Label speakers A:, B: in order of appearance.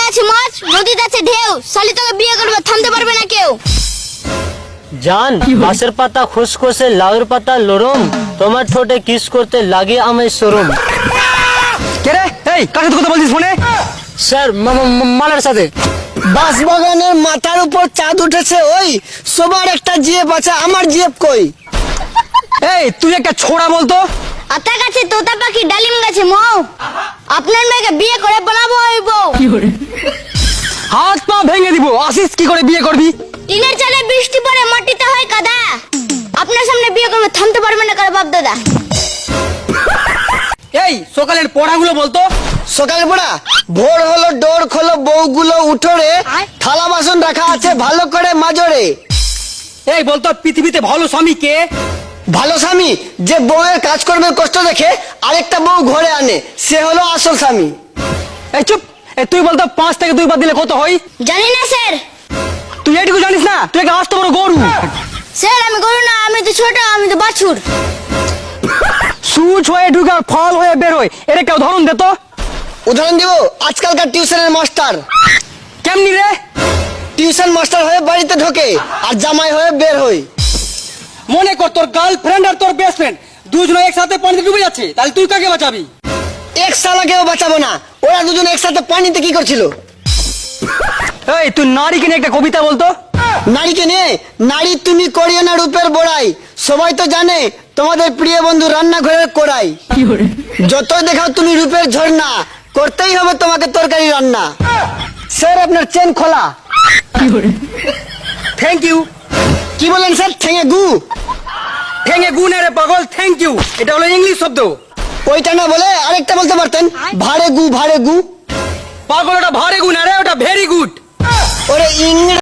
A: আছে মাছ, নদীতে আছে ঢেউ, শালি তোকে বিয়ে করবে, থামতে পারবে না কেউ।
B: জান বাঁশের পাতা খুসখুসে লাউয়ের পাতা লরম, তোমার ঠোঁটে কিস করতে লাগে আমায় শরম।
C: কে রে? এই কার সাথে কথা বলছিস ফোনে?
B: স্যার মালার সাথে।
D: বাঁশবাগানের মাথার উপর চাঁদ উঠেছে, ওই সবার একটা জিএফ আছে, আমার জিএফ কই?
C: এই তুই একটা ছোড়া বলতো।
A: আতা গাছে তোতা পাখি, ডালিম গাছে মৌ, আপনার মেয়েকে বিয়ে করে বানাবো ওই বউ।
C: হাত পা ভেঙে দিব, আসিস কি করে বিয়ে করবি?
A: টিনের চালে বৃষ্টি পড়ে মাটিতে হয় কাদা, আপনার সামনে বিয়ে করবে, থামতে পারবে না কার বাপ দাদা।
C: এই সকালের পড়াগুলো বলতো।
D: সকালে পড়া, ভোর হলো ডোর খোলো বউগুলো উঠোরে, থালা বাসন রাখা আছে ভালো করে মাজরে।
C: এই বলতো পৃথিবীতে ভালো স্বামী কে?
D: ভালো স্বামী যে বউয়ের কাজ করবে কষ্ট দেখে আরেকটা বউ ঘরে আনে, সে হলো আসল স্বামী।
C: এই চুপ। এই তুই বলতো 5 থেকে 2 বাদ দিলে কত হয়?
A: জানি না স্যার।
C: তুই এইটুকু জানিস না? তুই একটা আস্ত বড় গরু।
A: স্যার আমি গরু না, আমি তো ছোট, আমি তো বাছুর।
C: সুচ হয়ে ঢুকে আর ফল হয়ে বের হয়, এর একটা উদাহরণ দে তো।
D: উদাহরণ দিব, আজকালকার টিউশনের মাস্টার।
C: কেমনি রে?
D: টিউশন মাস্টার হয়ে বাড়িতে ঢোকে আর জামাই হয়ে বের হয়।
C: মনে কর তোর গার্লফ্রেন্ড আর তোর বেস্ট ফ্রেন্ড দুজনে একসাথে পানিতে ডুবে যাচ্ছে, তাহলে তুই কাকে বাঁচাবি?
D: এক সালাকেও বাঁচাবো না, ওরা দুজন একসাথে পানিতে কি করছিল?
C: এই তুই নারীকে নিয়ে একটা কবিতা বলতো।
D: নারীকে নিয়ে, নারী তুমি করিও না রূপের বড়াই, সবাই তো জানে তোমাদের প্রিয় বন্ধু রান্নাঘরের কোড়াই। যতই দেখাও তুমি রূপের ঝর্ণা, করতেই হবে তোমাকে তরকারি রান্না। স্যার আপনার চেন খোলা।
C: Thank you.
D: কি বলেন স্যার? ঠেঙে গু?
C: ঠেঙে গু না রে পাগল, থ্যাংক ইউ এটা হলো ইংলিশ শব্দ।
D: ওইটা না বলে আরেকটা বলতে পারতেন, ভাড়ে গু ভাড়ে গু।
C: পাগল, ওটা ভাড়ে